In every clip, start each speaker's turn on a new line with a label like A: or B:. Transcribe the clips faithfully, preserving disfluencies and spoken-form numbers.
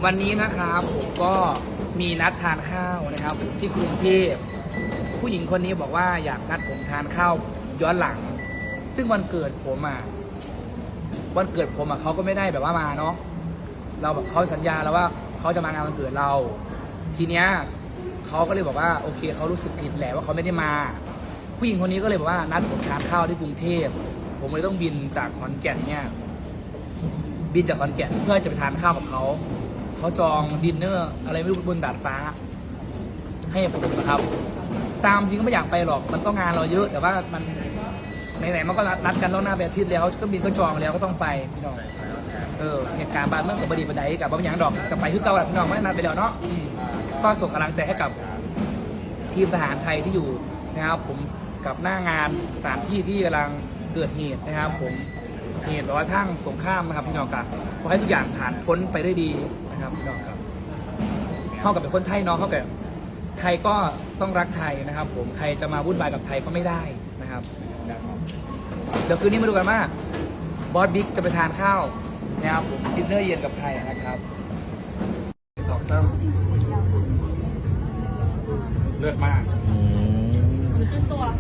A: วันนี้นะครับผมก็มีนัดทานข้าวนะครับที่กรุงเทพผู้หญิงคนนี้บอกว่าอยากนัดผมทานข้าวย้อนหลังซึ่งวันเกิดผมอ่ะวันเกิดผมอ่ะเขาก็ไม่ได้แบบว่ามาเนาะเราแบบเขาสัญญาแล้วว่าเขาจะมางานวันเกิดเราทีเนี้ยเขาก็เลยบอกว่าโอเคเขารู้สึกผิดแหละว่าเขาไม่ได้มาผู้หญิงคนนี้ก็เลยบอกว่านัดผมทานข้าวที่กรุงเทพผมเลยต้องบินจากขอนแก่นเนี่ยบินจากขอนแก่นเพื่อจะไปทานข้าวกับเขาเขาจองดินเนอร์อะไรไม่รู้บนดาดฟ้าให้ผมนะครับตามจริงก็ไม่อยากไปหรอกมันก็งานเราเยอะแต่ว่ามันไหนๆมันก็นัดกันล่วงหน้าไปอาทิตย์แล้วก็บินก็จองแล้วก็ต้องไปพี่น้องเออเหตุการณ์บ้านเมืองกับบดีบันไดกับบ้านยางดอกกับไปคือเก่าแหละพี่น้องไม่ได้นัดไปแล้วเนาะก็ส่งกำลังใจให้กับทีมทหารไทยที่อยู่นะครับผมกับหน้างานสถานที่ที่กำลังเกิดเหตุนะครับผมเหตุแบบว่าทั้งสงครามนะครับพี่น้องกับขอให้ทุกอย่างผ่านพ้นไปได้ดีนะครับพี่น้องครับเข้ากับเป็นคนไทยเนาะเข้ากับไทยก็ต้องรักไทยนะครับผมใครจะมาวุ่นวายกับไทยก็ไม่ได้นะครับเดี๋ยวคืนนี้มาดูกันว่าบอสบิ๊กจะไปทานข้าวนะครับผมดินเนอร์เย็นกับใครนะครับสองซ้ำเลือดมาก
B: ขึ้นตัว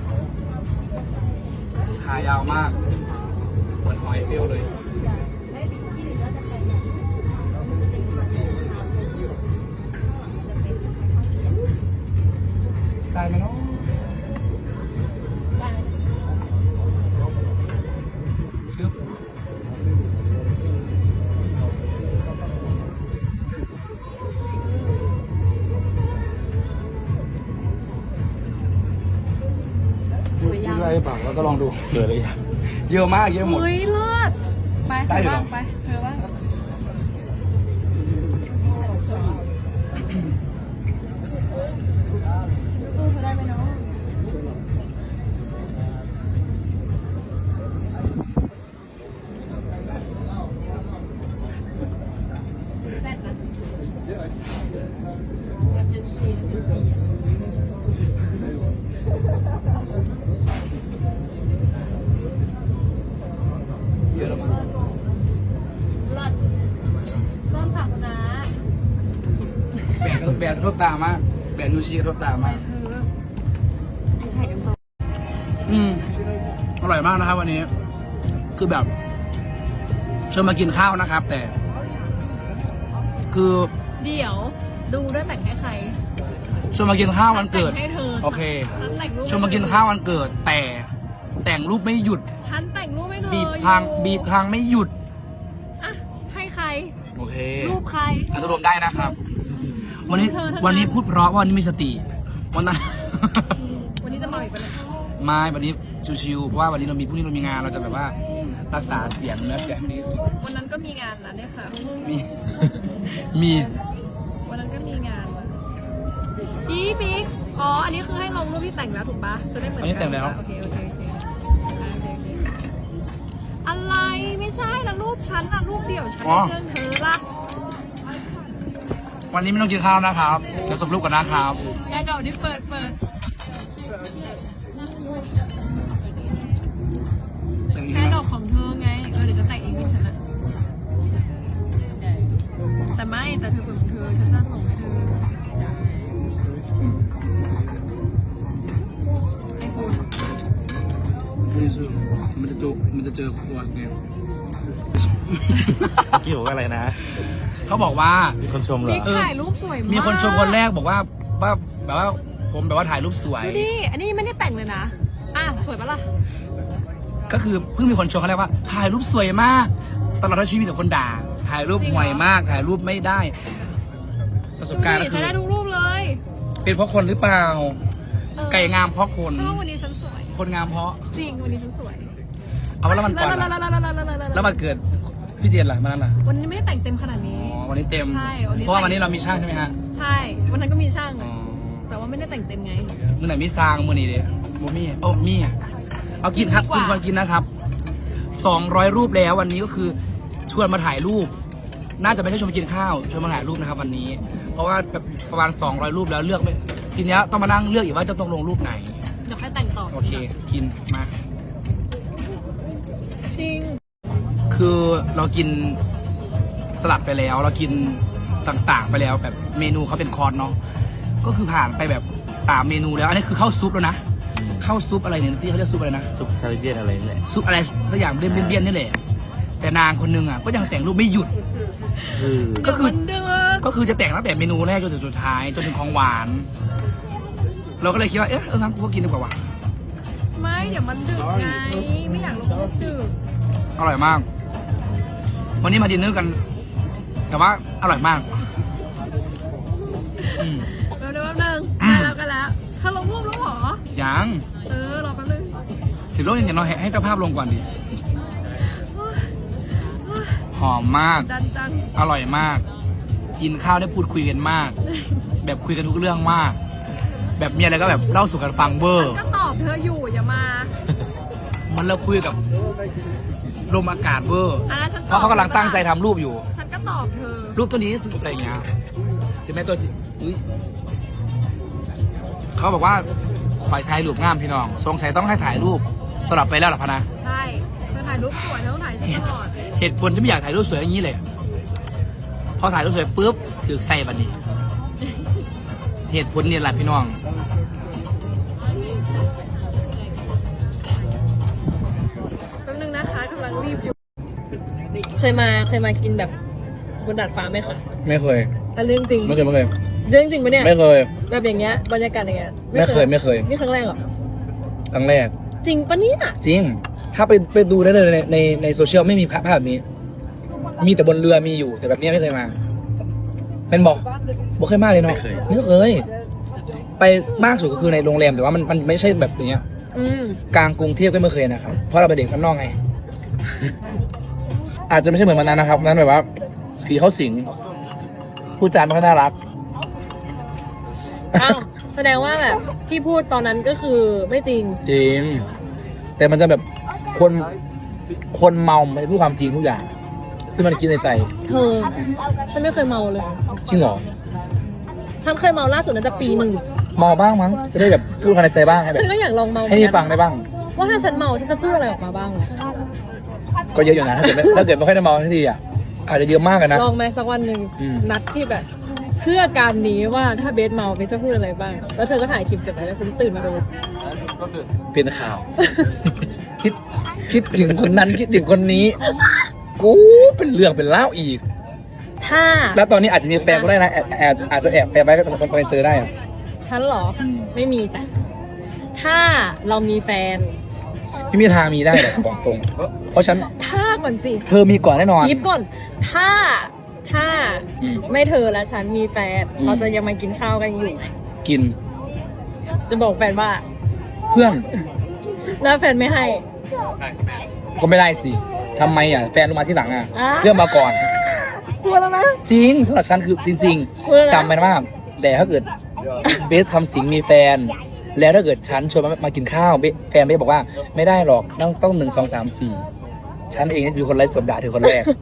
A: ขายาวมากเหมือนหอยเฟลเลยตายไหมเนาะเชื่ออะไรบ้างแล้วก็ลองดูเสือเลยเยอะมากเยอะหมด
B: เฮ้ยเลิศไปได้อยู่ไปเธอว่าสู้เธอได้ไหมน้องแซ่บนะแบบเจ็ดสี่เจ็ดสี่
A: เยอะมาก
B: เลิศเริ่มผักนะ
A: แบนก็แบนรถตามากแบนนูชิรถตามาก
B: ถ่ายกันต่อ
A: อืมอร่อยมากนะครับวันนี้คือแบบชวนมากินข้าวนะครับแต่คือ
B: เดี๋ยวดูด้วยแต่งให้ใคร
A: ชวนมากินข้าววันเกิด
B: ให้เธอ
A: โอเคชวนมากินข้าววันเกิดแต่แต่งรูปไม่หยุด
B: ฉันแต่งรูปให้เธอ
A: บีบทางบีบทางไม่หยุด
B: อ่ะให้ใคร
A: โอเค
B: รูปใคร
A: อนุโลมได้นะครับวันนี้วันนี้พูดเพราะว่าวันนี้มีสติวันนั้น
B: วันนี้จะมาอีกปะเนี่ย
A: ไม่วันนี้ชิวๆเพราะว่าวันนี้เรามีพรุ่งนี้เรามีงานเราจะแบบว่ารักษาเสียงเนื้อเสียงให้ดีที่สุด
B: วันนั้นก็มีงานนะเนี่ยค่ะ
A: มีมี
B: วันนั้นก็มีงานจีบิ๊กอ๋ออันนี้คือให้ลงรูปที่แต่งแล้วถูกปะจะได้เหมือนกัน
A: อันนี้แต่งแล้ว
B: โอเคโอเคโอเคอะไรไม่ใช่นะรูปฉันนะรูปเดี่ยวฉันเรื่องเธอละ
A: วันนี้ไม่ต้องกินข้าวนะครับเดี๋ยวส่งรูปก่อนนะครับ
B: แอร์ดอกที่เปิดเปิดแอร์ดอกของเธอไงเออเดี๋ยวจะแต่งเองที่ฉันนะแต่ไม่แต่เธอเปิดของเธอฉันจะส่งให้เธอไอโฟน
A: นี่สุดมันจะเจอมันจะเจอขวดไง
C: เกี่ยวกับอะไรนะ
A: เขาบอกว่า
C: มีคนชมเหรอ
B: ถ่ายรูปสวยมาก
A: มีคนชมคนแรกบอกว่าว่าแบบว่าผมแบบว่าถ่ายรูปสวย
B: ดูดิอันนี้ไม่ได้แต่งเลยนะอ่ะสวยปะล่ะ
A: ก็คือเพิ่งมีคนชมเขาแรกว่าถ่ายรูปสวยมากตลอดทั้งชีวิตมีแต่คนด่าถ่ายรูปห่วยมากถ่ายรูปไม่ได้ประสบการณ์ก็คือ
B: ใช้ได้ทุกรูปเลย
A: เป็นเพราะคนหรือเปล่าไก่งามเพราะคน
B: ชอบวันนี้ฉันสวย
A: คนงามเพราะ
B: จริงวันนี้ฉันสวย
A: เอาแล้วมันก่อนแล้วมันเกิดพี่เจนล่ะมันนั่นล่ะ
B: วันนี้ไม่ได้แต่งเต็มขนาดนี้
A: อ๋อวันนี้เต็ม
B: ใช่
A: เพราะว่าวันนี้เรามีช่างใช่ไหมฮะ
B: ใช่วันนั้นก็มีช่างแต่ว่าไม่ได้แต่งเต็มไง
A: มื่อไหร่มีซางมื่อนี้เดี๋ยวโมมี่โอ้มี่เอากินครับคุณควรกินนะครับสองร้อยรูปแล้ววันนี้ก็คือชวนมาถ่ายรูปน่าจะไม่ใช่ชวนมากินข้าวชวนมาถ่ายรูปนะครับวันนี้เพราะว่าแบบประมาณสองร้อยรูปแล้วเลือกไม่ทีเนี้ยต้องมานั่งเลือกอีกว่าจะต้องลงรูปไหน
B: เดี๋ยวค่อยแต่งต่อ
A: โอเคกินมา
B: จริง
A: คือเรากินสลัดไปแล้วเรากินต่างๆ ไปแล้วแบบเมนูเขาเป็นคอร์สเนาะก็คือผ่านไปแบบสามเมนูแล้วอันนี้คือข้าวซุปแล้วนะข้าวซุปอะไรเนี่ยที่เขาเรียกซุปอะไรนะ
C: ซุปคาริเบียนอะไรนี่แหละ
A: ซุปอะไรสักอย่างเบี้ยนเบี้ยนๆนี่แหละแต่นางคนนึงอ่ะก็ยังแต่งรูปไม่หยุด
C: คือ
A: ก็คือ
B: เดือด
A: ก็คือจะแต่งตั้งแต่เมนูแรกจนถึงสุดท้ายจนถึงของหวาน เราก็เลยคิดว่าเอ๊ะเอองั้นกูก็กินดีกว่าวะ
B: ไม่เดี๋ยวมันดึกไงไม่อยากลงรูปดึก
A: อร่อยมาก วันนี้มาดินเนอร์กัน แต่ว่าอร่อยมากอืม
B: เดี๋ยวเดี๋ยวแป๊บนึง
A: อืม
B: มาแล้วกันแล้วถ้าลงรูปแล้วเหรอ
A: ยัง
B: เออรอแป๊บนึง
A: สิบโลกยังเห็นเราให้เจ้าภาพลงก่อนดิหอมมาก
B: ดันจัง
A: อร่อยมาก กินข้าวได้พูดคุยกันมาก แบบคุยกันทุกเรื่องมาก แบบมีอะไรก็แบบเล่าสู่กันฟังเวอร์
B: ก็ตอบเธออยู่อย่ามา
A: มันเราคุยกับลมอากาศเวอร์
B: อันนั้นฉันตอบ
A: เพราะเขากำลังตั้งใจทำรูปอยู่
B: ฉันก็ตอบเธอ
A: รูปตัวนี้ที่สุดอะไรอย่างเงี้ยถึงแม้ตัวจริงอุ๊ยเขาบอกว่าขอยถ่ายรูปงามพี่น้องสงสัยต้องให้ถ่ายรูปตลอดไปแล้วหรอพะนะ
B: ใช่เธอถ่ายรูปสวยเธอต้องถ่ายฉันตลอด
A: เหตุผลที่ไม่อยากถ่ายรูปสวยอย่างนี้เลยพอถ่ายรูปสวยปุ๊บถือใส่บันนี้ เหตุผลเนี่ยแหละพี่น้อง
B: แป๊บนึงนะคะกำลังรีบอยู่ เคยมาเคยมากินแบบบนดาดฟ้าไหมคะ
A: ไม่เคย
B: อันเรื่องจริง
A: ไม่เคยไม่เคย
B: เรื่องจริงปะเนี่ย
A: ไม่เคย
B: แบบอย่างเงี้ยบรรยากาศอย่างเงี้ย
A: ไม่เคยไม่เคย
B: นี่ครั้งแรกเหรอ
A: ครั้งแรก
B: จริงปะเนี่ย
A: จริง ถ้าไปไปดูได้เลยในในในโซเชียลไม่มีภาพแบบนี้ มีแต่บนเรือมีอยู่แต่แบบนี้ไม่เคยมา เป็นบอกบอกเคยมากเลยเนาะไม่เคย ไปมากสุดก็คือในโรงแรมแต่ว่ามันมันไม่ใช่แบบอย่างเงี้ย
B: อืม
A: กลางกรุงเทพก็ไม่เคยนะครับ เพราะเราเป็นเด็กข้างนอกไง อาจจะไม่ใช่เหมือนวันนั้นนะครับวันนั้นแบบว่า ผีเข้าสิงผู้จาไม่ค่อยน่ารัก
B: อ้าวแสดงว่าแบบที่พูดตอนนั้นก็คือไม่จริง
A: จริง แต่มันจะแบบคนคนเมาไม่พูดความจริงทุกอย่างที่มันคิดในใจ
B: เธอ ฉันไม่เคยเมาเลย
A: จริงเหรอ
B: ฉันเคยเมาล่าสุดน่าจะปีหนึ่ง
A: เมาบ้างมั้งจะได้แบบพูดความในใจบ้างให้แบ
B: ฉั
A: บ
B: นก็อยากลองเมา
A: ให้ได้ฟังได้บ้าง
B: ว่าถ้าฉันเมาฉันจะพูดอะไรออกมาบ้าง
A: ก็เยอะอยู่นะถ้าเกิดไม่ถ้าเกิดไม่ค่อยได้เมาทันทีอ่ะอาจจะเยอะมากกันนะ
B: ลองไหมสักวันหนึ่ง
A: อืม
B: นัดที่แบบ เพื่อการนี้ว่าถ้าเบสเมาเบสจะพูดอะไรบ้าง แล้วเธอก็ถ่ายคลิปเก็บไว้แล้วฉันตื่นมาดู
A: เป็นข่าว คิดคิดถึงคนนั้นคิดถึงคนนี้ กูเป็นเรื่องเป็นเล่าวอีก
B: ถ้า
A: แล้วตอนนี้อาจจะมีแฟนก็ได้นะแอบแอบอาจจะแอบแฟนไว้ก็คนไปเจอได้อะ
B: ฉันเหรอ ไม่มีจ้ะ ถ้าเรามีแฟน
A: ไม่มีทางมีได้เลยบอกตรง เพราะฉัน
B: ถ้าก่อนสิ
A: เธอมีก่อนแน่นอน
B: ยิบก่อน ถ้า ถ้า
A: อืม
B: ไม่เธอและฉันมีแฟน
A: อืม
B: เราจะยังมากินข้าวกันอยู่ไหม
A: กิน
B: จะบอกแฟนว่า
A: เพื่อน
B: แล้วแฟนไม่ให้
A: ก็ไม่ได้สิทำไมอ่ะแฟนลงมาที่หลังอ่ะ
B: อ่ะ
A: เรื่องมาก่อน
B: กลัวแล้วนะ
A: จริงสำหรับฉันคือจริง
B: เพื่อน
A: ๆจำไว้ว่าแต่ถ้าเกิดเบสคำสิงมีแฟน แล้วถ้าเกิดฉันชวนมามากินข้าวเบสแฟนเบสบอกว่าไม่ได้หรอกต้องต้องหนึ่งสองสามสี่ฉันเองนี่เป็นคนไร้สดด่าเธอคนแรก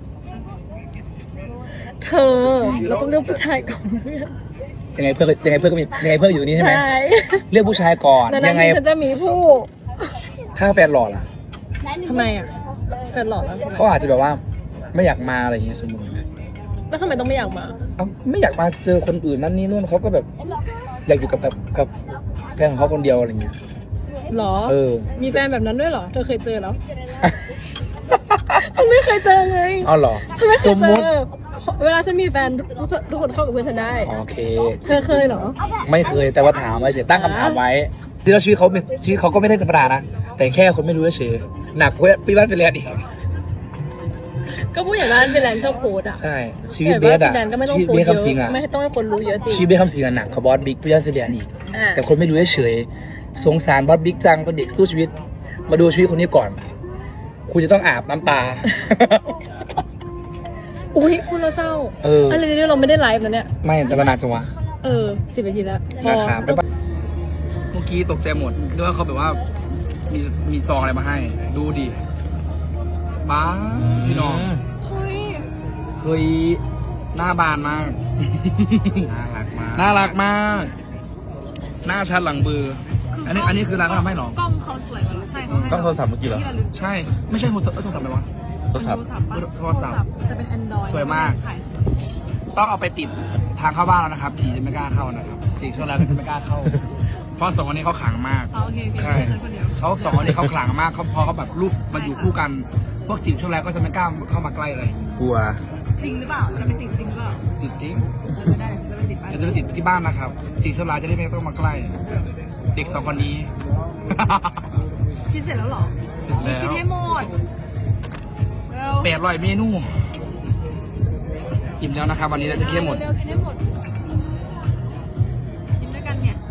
B: เธอ เราต้องเลือกผู้ชายก่อนเพื่อน
A: ยังไงเพื่อนก็ยังไงเพื่อนก็มียังไงเพื่อนอยู่ตรงนี้ใช่ไหม
B: ใช่
A: เลือกผู้ชายก่อน
B: แล้ว
A: ยังไง
B: นั้นฉันจะมีผู้
A: ถ้าแฟนหล่อล่ะ
B: ทำไมอ่ะแฟนหล่อแล้วทำไม
A: เขาอาจจะแบบว่าไม่อยากมาอะไรอย่างเงี้ยสมมติ
B: แล้วทำไมต้องไม่อยากมา
A: เขาไม่อยากมาเจอคนอื่นนั่นนี่นู่นเขาก็แบบ อยากอยู่กับแบบกับแฟนของเขาคนเดียวอะไรอย่างเงี้ย
B: หรอ
A: เออ
B: มีแฟนแบบนั้นด้วยเหรอ เธอเคยเจอแล้ว ฉันไม่เคยเจอไง
A: เอาเหรอ
B: ฉันไม่เค
A: ส
B: ย
A: ม
B: เจ
A: มุติ
B: อ เวลาฉันมีแฟนทุกทุกคนเข้ากับเพื่อนฉันได้
A: โอเค
B: เธอเคยเหรอ
A: ไม่เคยแต่ว่าถามไว้เฉยตั้งคำถามไว้จริงๆแล้วชีวิตเขาเป็นชีวิตเขาก็ไม่ได้ธรรมดานะแต่แค่คนไม่รู้เฉยหนักกว่าพี่บ้านเป็นแรดอีก
B: ก็พูดอย่างนั้นเป็นแลนด์ชอบโพสอ่ะ
A: ใช่ชีวิตเบสอะ
B: แต่ว่าพี่แลนด์ก็ไม่ต้อง
A: ชีวิต
B: โพส
A: เบส
B: เย
A: คำสิง
B: อะ
A: อะ
B: ไม่ต้องให้คนรู้เยอะจริง
A: ชีวิตเบสคำสิงอะหนักกว่าบอสบิ๊กพี่บ้านเป็นแรดอีก
B: อ่ะ
A: แต่คนไม่รู้เฉยสงสารบอสบิ๊กจังเป็นเด็กสู้ชีวิต มาดูชีวิตคนนี้ก่อน คุณจะต้องอาบน้ำตา
B: อุ้ยพูดแล้วเศร้า
A: เออ
B: อะไรเนี่ยเราไม่ได้ไลฟ์นะเนี่ย
A: ไม่แต่ก็นานจังวะ
B: เออสิบนาทีแล้วพอ
A: นะครับเมื่อกี้ตกใจหมดนึกว่าเขาแบบว่ามีมีซองอะไรมาให้ ดูดิบ้าพี่น้อง
B: เฮ้ย
A: เฮ้ยหน้าบานมาก
C: น่ารักมาก
A: น่ารักมาก หน้าชัดหลังบือ อันนี้อันนี้คือร้านเขาทำให้เหรอก
B: ล้องเขาสวยใช่เขาให้
C: กล้องโทรศัพท์เมื่อกี้เหรอ
B: ที่ระลึก
A: ใช่ ไม่ใช่โทรศัพท์เอ้ยโทรศัพท์อะไรวะ
C: โทรศัพท์
B: ปะ
A: โทรศัพท์
B: จะเป็น Android
A: สวยมาก
B: ถ่ายสวย
A: ต้องเอาไปติดทางเข้าบ้านแล้วนะครับผีจะไม่กล้าเข้านะครับสี่ช่วงแล้วก็จะไม่กล้าเข้า เพราะสองคนนี้เขาขลังมาก
B: อ๋อโอเคโอเค
A: ใช่
B: ฉันคนเดียว
A: เขาสองคนนี้เขาขลังมากเขาพอเขาแบบรูปมาอยู่คู่กัน พวกสี่ช่วงแล้วก็จะไม่กล้าเข้ามาใกล้เลย
C: กลัว
B: จริงหรือเปล่าจะไปติดจริงหรือเปล่า
A: ติดจริง
B: ฉันไม่ได้ฉันจะไปติดบ้าน
A: จะไปติดที่บ้านนะครับสี่ช่วงแล้วจะได้ไม่ต้องมาใกล้ เด็กสองคนนี้
B: กินเสร็จแล้วเหรอ
A: เสร็จแล้ว
B: กินให้หมดเร็ว
A: แปดร้อยเมนูอิ่มแล้วนะครับวันนี้เราจะเคี่ยวหมด
B: เร็วกินให้หมดกินด้วยกันเนี่ย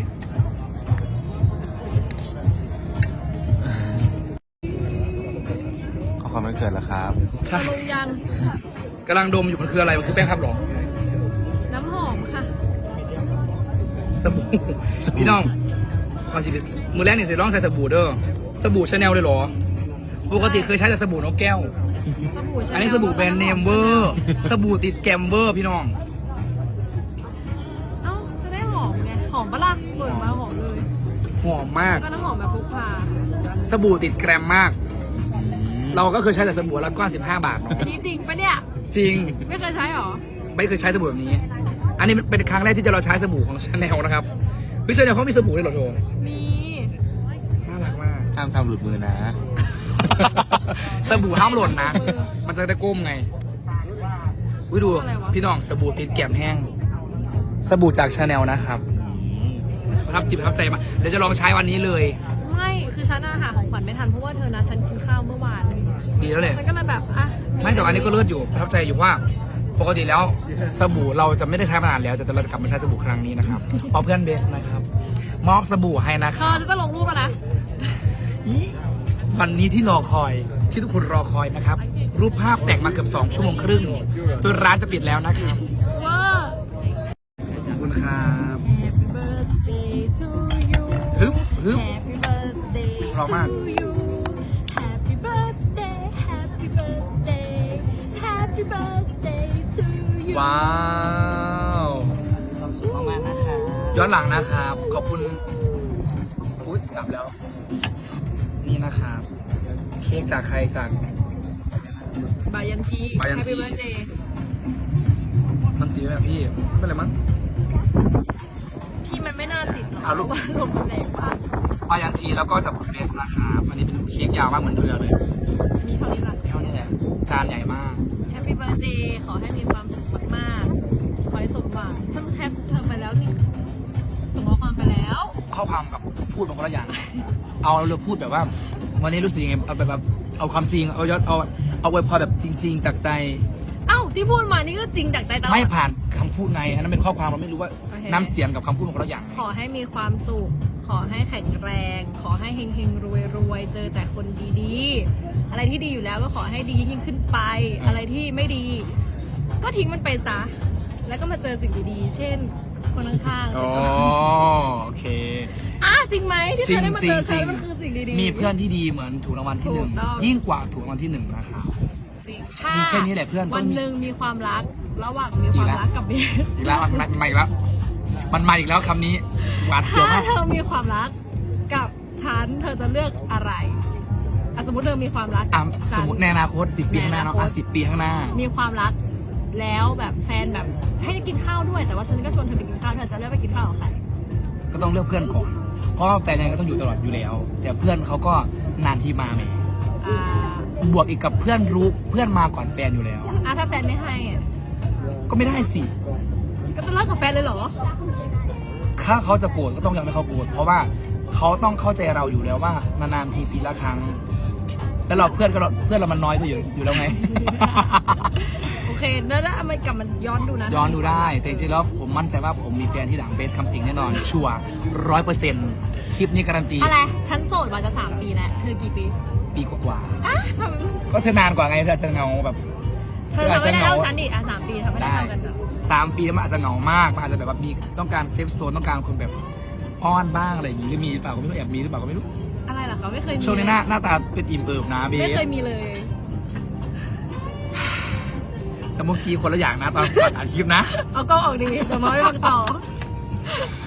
C: เอาความไม่เกิดแล้วครับ
A: ใช่
B: ตะลุงยัง
A: กำลังดมอยู่มันคืออะไรมันคือแป้งครับหรอ
B: น้ำหอมค่ะ
A: สบู่พี่น้องขอสิบมือแรกนี่สิลองใส่สบู่เด้อสบู่ชาแนลเลยเหรอปกติเคยใช้แต่สบู่นกแก้ว
B: สบู่ใช่ไหม
A: อันนี้สบู่แบรนด์เนมเวอร์สบู่ติดแกมเวอร์พี่น้อง
B: เอ้าจะได้หอมไงหอมปะล่ะเปิดมาหอมเลย
A: หอมมาก
B: แล้วก็น้ำหอมแบบพกพา
A: สบู่ติดแกรมมาก เราก็เคยใช้แต่สบู่ละก้อนสิบห้าบาทเนาะ
B: อันนี้จริงปะเนี่ย
A: จริง
B: ไม่เคยใช้หรอ
A: ไม่เคยใช้สบู่แบบนี้ อันนี้เป็นครั้งแรกที่จะเราใช้สบู่ของชาแนลนะครับเฮ้ยชาแนลเขามีสบู่ด้วยเหรอโท
B: มี
A: น่ารักมาก
C: ห้ามทำหลุดมือนะ
A: สบู่ห้ามหล่นนะ มันจะได้ก้มไงวิดูพี่น้องสบู่ติดแก้มแห้ง สบู่จากชาแนลนะครับประทับจิตประทับใจมากเดี๋ยวจะลองใช้วันนี้เลย
B: ไม่คือฉันอาหาของขวัญไม่ทันเพราะว่าเธอนะฉันกินข้าวเมื่อวาน
A: ดีแล้วเลย
B: ฉันก็เลยแบบอ่ะ
A: ไม่แต่อันนี้ก็เลิศอยู่ประทับใจอยู่ว่า ปกติแล้วสบู่เราจะไม่ได้ใช้มานานแล้วแต่เราจะกลับมาใช้สบู่ครั้งนี้นะครับเพราะเพื่อนเบสนะครับมอบสบู่ให้นะค
B: เธ
A: รั
B: อบ จะจะลงรูปแล้วนะ
A: วันนี้ที่รอคอยที่ทุกคนรอคอยนะครับ รูปภาพแต่งมาเกือบสองชั่วโมงครึ่งจนร้านจะปิดแล้วนะครับ
B: ว่า
A: ขอบคุณครับ
B: Happy birthday to you
A: ฮึบฮึบ
B: Happy birthday
A: เพราะมาก
B: to you Happy birthday Happy birthday Happy birthday to you
A: ว้าว
C: ความสุขมากๆนะครับ
A: ย้อนหลังนะครับ ขอบคุณอุ๊ยดับแล้ว นี่นะครับ เค้กจากใครจาก
B: บายันที
A: บายันที
B: Happy birthday
A: มันตีแบบพี่ไม่เป็นไรมั้ง
B: พี่มันไม่น่าติดหรอก
A: เอาลูก
B: เพราะว่าลมมันแรงมาก
A: ปายันทีแล้วก็จากคุณเบสนะครับอันนี้เป็นเค้กยาวมากเหมือนเรือเลย
B: มีเท่านี้ละ
A: เท่านี้แหละจานใหญ่มาก
B: Happy birthday ขอให้มีความสุขมากๆ ขอให้สมหวังฉันแฮปเธอไปแล้วนี่สมมติความไปแล้ว
A: ข้อความกับพูดมันคนละอย่าง เอาเราพูดแบบว่า วันนี้รู้สึกยังไงเอาแบบแบบเอาความจริงเอายอดเอาเอาอวยพรแบบจริง ๆ จากใจ
B: เอ้าที่พูดมานี่ก็จริงจากใจตลอด
A: ไม่ผ่านคำพูดไงอันนั้นเป็นข้อความเราไม่รู้ว่า
B: โอเค
A: น้ำเสียงกับคำพูดมันคนละอย่าง
B: ขอให้มีความสุข ขอให้แข็งแรง ขอให้เฮงเฮงรวยรวยๆ เจอแต่คนดีๆ อะไรที่ดีอยู่แล้วก็ขอให้ดียิ่งขึ้นไป อะไรที่ไม่ดี ก็ทิ้งมันไปซะ แล้วก็มาเจอสิ่งดีๆ เช่น คนข้างๆ
A: อ๋อโอเค
B: อ่ะจริงไหมที่
A: จริ
B: เธ
A: ง
B: อได้มา
A: จริ
B: เจ
A: ง
B: อ
A: จ
B: ฉั
A: ริ
B: น
A: ง
B: มันคือสิ่งดีๆ
A: มีเพื่อนที่ดีเหมือนถูกรางวัลที่หนึ่ง
B: ถูกต้อง
A: ยิ่งกว่าถูกรางวัลที่หนึ่งนะครับ
B: จริงถ้า
A: มีแค่นี้แหละเพื่อน
B: วันหนึ่งมีความรัก ระหว่างมีความรักกับเบส
A: อีกแล้วมันมาอีกแล้วมันมาอีกแล้วคำนี้หวาดเสียว
B: ถ้าม
A: าก
B: เธอมีความรักกับฉัน เธอจะเลือกอะไรอ่ะสมมติเธอมีความรัก
A: อ่ะ
B: กับฉั
A: สมมติในอนาคตสิบปีข้างหน้าเนาะอ่ะสิบปีข้างหน้า
B: มีความรัก แล้วแบบแฟนแบบให้กินข้าวด้วย แต่ว่าฉันก็ชวนเธอไปกินข้าว เธอจะเลือกไปกินข้าวกับใคร
A: ก็ต้องเลือกเพื่อนก่อน เพราะว่าแฟนยังไงก็ต้องอยู่ตลอดอยู่แล้ว แต่เพื่อนเขาก็นานทีมาแหม
B: อ่า
A: บวกอีกกับเพื่อนรู้เพื่อนมาก่อนแฟนอยู่แล้ว
B: อ่ะถ้าแฟนไม่ให้อ่ะ
A: ก็ไม่ได้สิ
B: ก็จะเลิกกับแฟนเลยเหรอ
A: ถ้าเขาจะโกรธก็ต้องยอมให้เขาโกรธเพราะว่าเขาต้องเข้าใจเราอยู่แล้วว่านานๆทีปีละครั้ง แล้วเราเพื่อนก็เราเพื่อนเรามันน้อยก็อยู่อยู่แล้วไง
B: โอเคแล้วแล้วมันกลับมันย้อนดูนะ
A: ย้อนดูได้แต่จริงๆแล้วผมมั่นใจว่าผมมีแฟนที่หลังเบสคำสิงแน่นอน ชัวร้อยเปอร์เซ็นต์คลิปนี้การันตี
B: อะไร ฉันโสดมาจะสามปีแล้ว เธอกี่ปี
A: ปีกว่า
B: อ่ะทำ
A: ๆก็เธอนานกว่าไงเธอจะเหงาแบบ
B: เธอทำไม่ได้เท่าฉันดิอ่ะสามปีทำไม่ได้
A: ได้
B: เท่ากันเหรอ
A: สามปีแล้วมันอาจจะเหงามากมันอาจจะแบบว่ามีต้องการเซฟโซนต้องการคนแบบอ้อนบ้างอะไรอย่างงี้หรือมีหรือเปล่าก็ไม่รู้แอบมีหรือเปล่าก็ไม่รู้
B: อะไรเหรอคะไม่เคยมี
A: ช่วงนี้หน้าหน้าตาเป็นอิ่มเอิบนะเบ
B: ไม่
A: ส
B: เคยมีเลย
A: แต่เมื่อกี้คนละอย่างนะตอนก่อนอัดคลิปนะ
B: เอากล้องออกดีแต่มาไม่ฟังต่อ